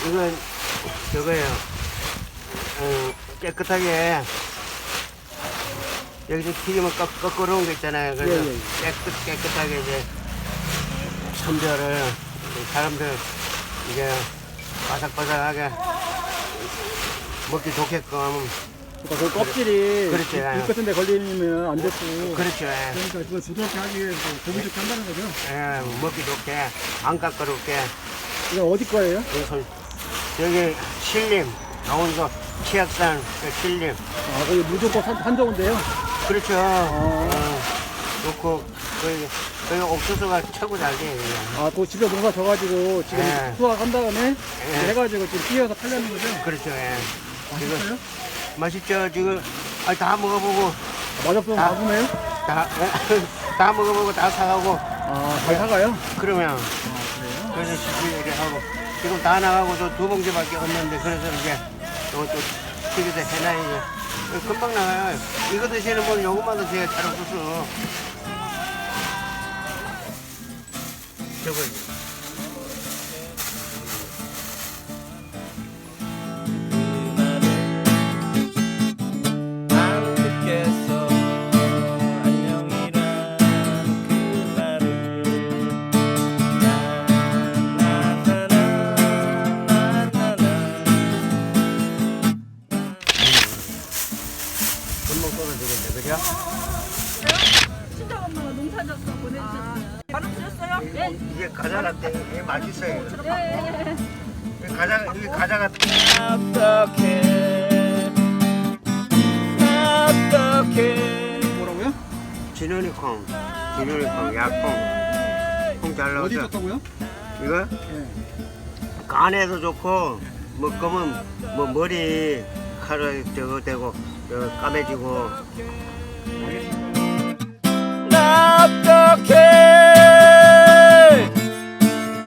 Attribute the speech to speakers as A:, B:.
A: 이건 저거예요. 깨끗하게 여기서 튀기면 거꾸로 거 있잖아요. 그래서
B: 예, 예.
A: 깨끗하게 이제 선별을 사람들 이제 바삭바삭하게 먹기 좋게끔.
B: 그러니까 그 껍질이
A: 그렇죠.
B: 잎 같은 데 걸리면 안 됐고.
A: 그렇죠.
B: 그러니까 그걸 부드럽게 하기 위해서 고기 좋게 한다는 거죠.
A: 예, 먹기 좋게 안 까끄럽게.
B: 이거 어디 거예요?
A: 여기 신림 강원도 치악산 그 신림.
B: 아, 거기 무조건 산정인데요.
A: 그렇죠. 놓고 거기 옥수수가 최고 잘 돼요.
B: 아, 그 집에 농사 져가지고 지금
A: 예.
B: 수확한 다음에
A: 예.
B: 해가지고 지금 피해서 팔려는 거죠.
A: 그렇죠. 예.
B: 맛있어요?
A: 맛있죠. 지금 다 먹어보고
B: 맛없으면
A: 아.
B: 아프네요?
A: 다 먹어보고 다 사가고
B: 아, 잘 사가요?
A: 그러면
B: 아, 그래요?
A: 그래서 시키게 하고 지금 다 나가고 저 2봉지밖에 없는데 그래서 이제 또 튀기도 해놔야죠. 금방 나가요. 이거 드시는 분은 요것만 드세요. 잘 없어서. 저거
C: 안 듣겠어 안녕이란 그 말을
A: 금방 떨어지겠네. 그죠?
D: 친정 엄마가 농사져서 보내주셨어요. 바로 드셨어요? 네.
A: 이게 과자 같아. 이게 맛있어요.
D: 네.
A: 이게 과자 같아.
C: 어떡해
B: 뭐라고요?
A: 진원이콩, 약콩. 콩 잘
B: 어디
A: 나오죠?
B: 좋다고요?
A: 이거
B: 예.
A: 간에도 좋고 뭐 검은 뭐 머리 칼을 저거 대고 까매지고
B: 알겠습니다.